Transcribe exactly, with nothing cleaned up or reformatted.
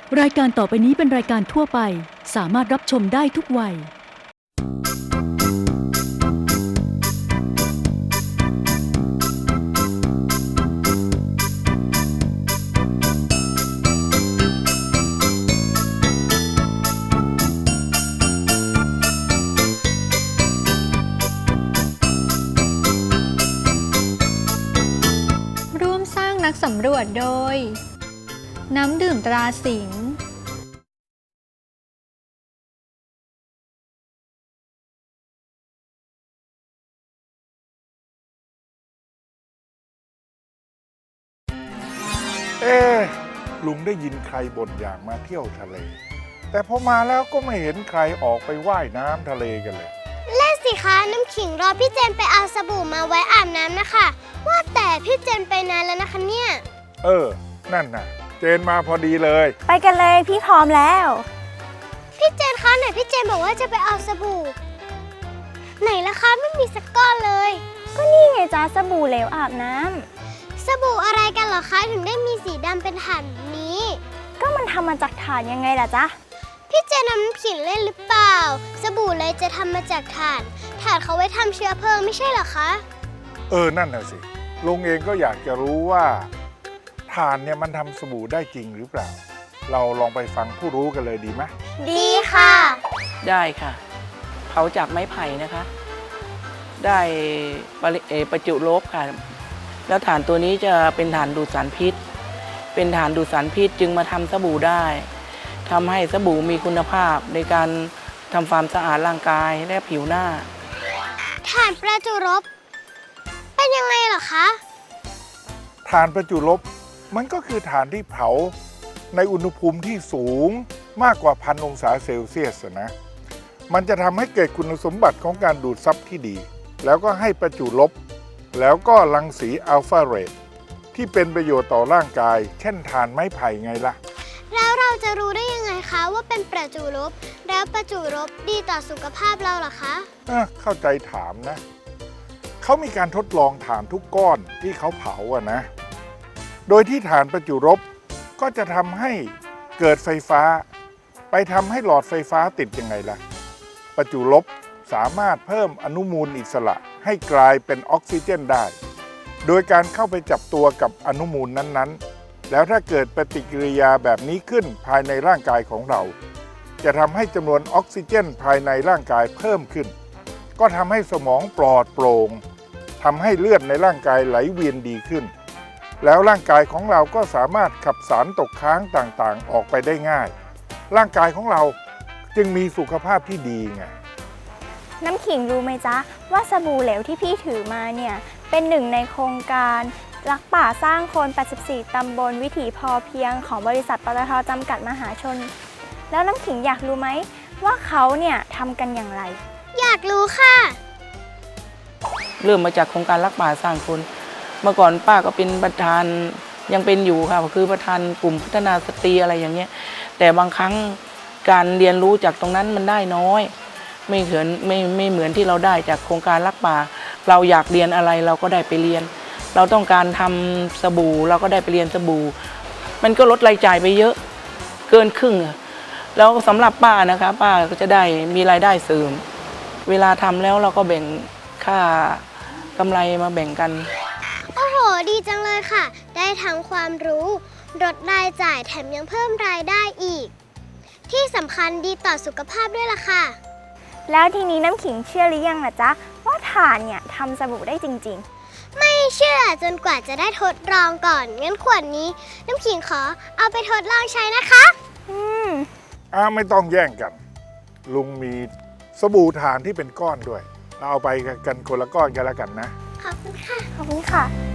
รายการต่อไปนี้เป็นรายการทั่วไปสามารถรับชมได้ทุกวัยร่วมสร้างนักสำรวจโดยน้ำดื่มตราสิงห์เอ๊ะลุงได้ยินใครบ่นอยากมาเที่ยวทะเลแต่พอมาแล้วก็ไม่เห็นใครออกไปว่ายน้ำทะเลกันเลยเล่นสิคะน้ำขิงรอพี่เจนไปเอาสบู่มาไว้อาบน้ำนะคะว่าแต่พี่เจนไปนานแล้วนะคะเนี่ยเออนั่นน่ะเจนมาพอดีเลยไปกันเลยพี่พร้อมแล้วพี่เจนคะไหนพี่เจนบอกว่าจะไปเอาสบู่ไหนล่ะคะไม่มีสักก้อนเลยก็นี่ไงจ้าสบู่เหลวอาบน้ำสบู่อะไรกันเหรอคะถึงได้มีสีดำเป็นถ่านนี้ก็มันทำมาจากถ่านยังไงล่ะจ๊ะพี่เจนน้ำขิงเล่นหรือเปล่าสบู่เลยจะทำมาจากถ่านถ่านเขาไว้ทำเชื้อเพลิงไม่ใช่เหรอคะเออนั่นน่ะสิลุงเองก็อยากจะรู้ว่าถ่านเนี่ยมันทำสบู่ได้จริงหรือเปล่าเราลองไปฟังผู้รู้กันเลยดีไหมดีค่ะได้ค่ะเผาจากไม้ไผ่นะคะได้ประจุลบค่ะแล้วถ่านตัวนี้จะเป็นถ่านดูดสารพิษเป็นถ่านดูดสารพิษจึงมาทำสบู่ได้ทำให้สบู่มีคุณภาพในการทำความสะอาดร่างกายและผิวหน้าถ่านประจุลบเป็นยังไงเหรอคะถ่านประจุลบมันก็คือถ่านที่เผาในอุณหภูมิที่สูงมากกว่าพันองศาเซลเซียสนะมันจะทำให้เกิดคุณสมบัติของการดูดซับที่ดีแล้วก็ให้ประจุลบแล้วก็รังสีอัลฟาเรดที่เป็นประโยชน์ต่อร่างกายเช่นถ่านไม้ไผ่ไงล่ะแล้วเราจะรู้ได้ยังไงคะว่าเป็นประจุลบแล้วประจุลบดีต่อสุขภาพเราเหรอคะเออเข้าใจถามนะเขามีการทดลองถ่านทุกก้อนที่เขาเผาอะนะโดยที่ถ่านประจุลบก็จะทำให้เกิดไฟฟ้าไปทำให้หลอดไฟฟ้าติดยังไงล่ะประจุลบสามารถเพิ่มอนุมูลอิสระให้กลายเป็นออกซิเจนได้โดยการเข้าไปจับตัวกับอนุมูลนั้นๆแล้วถ้าเกิดปฏิกิริยาแบบนี้ขึ้นภายในร่างกายของเราจะทำให้จำนวนออกซิเจนภายในร่างกายเพิ่มขึ้นก็ทำให้สมองปลอดโปร่งทำให้เลือดในร่างกายไหลเวียนดีขึ้นแล้วร่างกายของเราก็สามารถขับสารตกค้างต่างๆออกไปได้ง่ายร่างกายของเราจึงมีสุขภาพที่ดีไงน้ำขิงรู้ไหมจ๊ะว่าสบู่เหลวที่พี่ถือมาเนี่ยเป็นหนึ่งในโครงการรักป่าสร้างคนแปดสิบสี่ตำบลวิถีพอเพียงของบริษัทปตท.จำกัดมหาชนแล้วน้ำขิงอยากรู้ไหมว่าเขาเนี่ยทำกันอย่างไรอยากรู้ค่ะเริ่มมาจากโครงการรักป่าสร้างคนเมื่อก่อนป้าก็เป็นประธานยังเป็นอยู่ค่ะคือประธานกลุ่มพัฒนาสตรีอะไรอย่างเงี้ยแต่บางครั้งการเรียนรู้จากตรงนั้นมันได้น้อยไม่เหมือนไม่ไม่เหมือนที่เราได้จากโครงการรักป่าเราอยากเรียนอะไรเราก็ได้ไปเรียนเราต้องการทำสบู่เราก็ได้ไปเรียนสบู่มันก็ลดรายจ่ายไปเยอะเกินครึ่งแล้วสำหรับป้านะคะป้าก็จะได้มีรายได้เสริมเวลาทำแล้วเราก็แบ่งค่ากำไรมาแบ่งกันโอ้โหดีจังเลยค่ะได้ทั้งความรู้ลดรายจ่ายแถมยังเพิ่มรายได้อีกที่สำคัญดีต่อสุขภาพด้วยล่ะค่ะแล้วทีนี้น้ำขิงเชื่อหรือยังล่ะจ๊ะว่าถ่านเนี่ยทำสบู่ได้จริงๆไม่เชื่อจนกว่าจะได้ทดลองก่อนงั้นขวดนี้น้ำขิงขอเอาไปทดลองใช้นะคะอืมอ่าไม่ต้องแย่งกันลุงมีสบู่ถ่านที่เป็นก้อนด้วยเราเอาไปกันคนละก้อนกันแล้วกันนะขอบคุณค่ะขอบคุณค่ะ